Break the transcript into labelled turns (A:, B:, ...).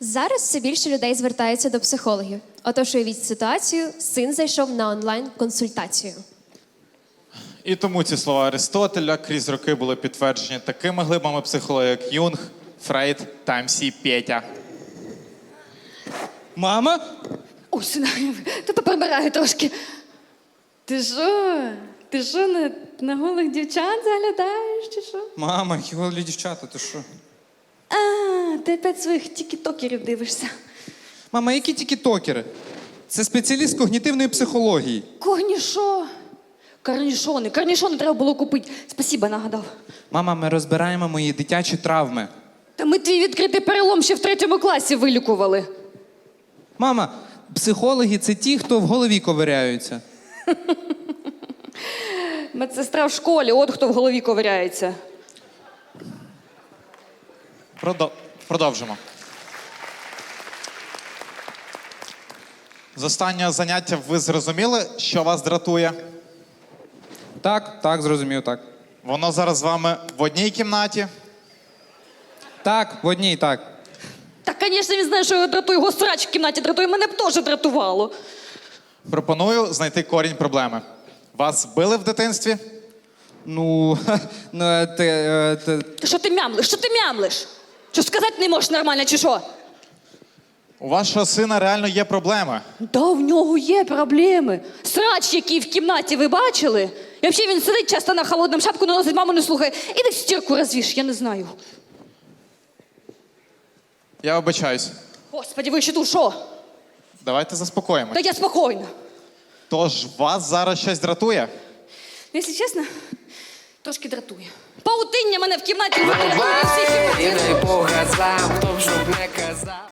A: Зараз все більше людей звертаються до психологів. Отож, уявіть ситуацію, син зайшов на онлайн-консультацію.
B: І тому ці слова Аристотеля крізь роки були підтверджені такими глибами психології, як Юнг, Фрейд та МС Петя.
C: Мама?
D: Ой, сина, та поприбираю трошки. Ти що? Ти що, на голих дівчат заглядаєш, чи що?
C: Мама, голі дівчата, ти що?
D: А, ти опять своїх тікітокерів дивишся.
C: Мама, які тікітокери? Це спеціаліст когнітивної психології.
D: Корнішо. Корнішони треба було купити. Спасибо, нагадав.
C: Мама, ми розбираємо мої дитячі травми.
D: Та ми твій відкритий перелом ще в 3 класі вилікували.
C: Мама, психологи – це ті, хто в голові ковиряються.
D: Медсестра в школі, от хто в голові ковиряється.
B: Продовжимо. З останнього заняття ви зрозуміли, що вас дратує?
C: Так, зрозумів, так.
B: Воно зараз з вами в одній кімнаті?
C: Так, в одній, так.
D: Так, звісно, він знає, що його дратує. Його срач в кімнаті дратує. Мене б теж дратувало.
B: Пропоную знайти корінь проблеми. Вас били в дитинстві?
D: Що ти мямлиш? Що ти мямлиш? Що сказати не можеш нормально, чи що?
B: У вашого сина реально є проблеми.
D: Да, в нього є проблеми. Срач, який в кімнаті, ви бачили? І взагалі він сидить часто на холодному, шапку наносить, маму не слухає. Іди стірку розвіш, я не знаю.
B: Я вибачаюсь.
D: Господи, ви ще тут що?
B: Давайте заспокоїмось.
D: Та я спокійна.
B: Тож вас зараз щось дратує?
D: Якщо чесно, трошки дратує. Паутиння мене в кімнаті не дратує.
E: І не Бога сам, хто б щоб не казав.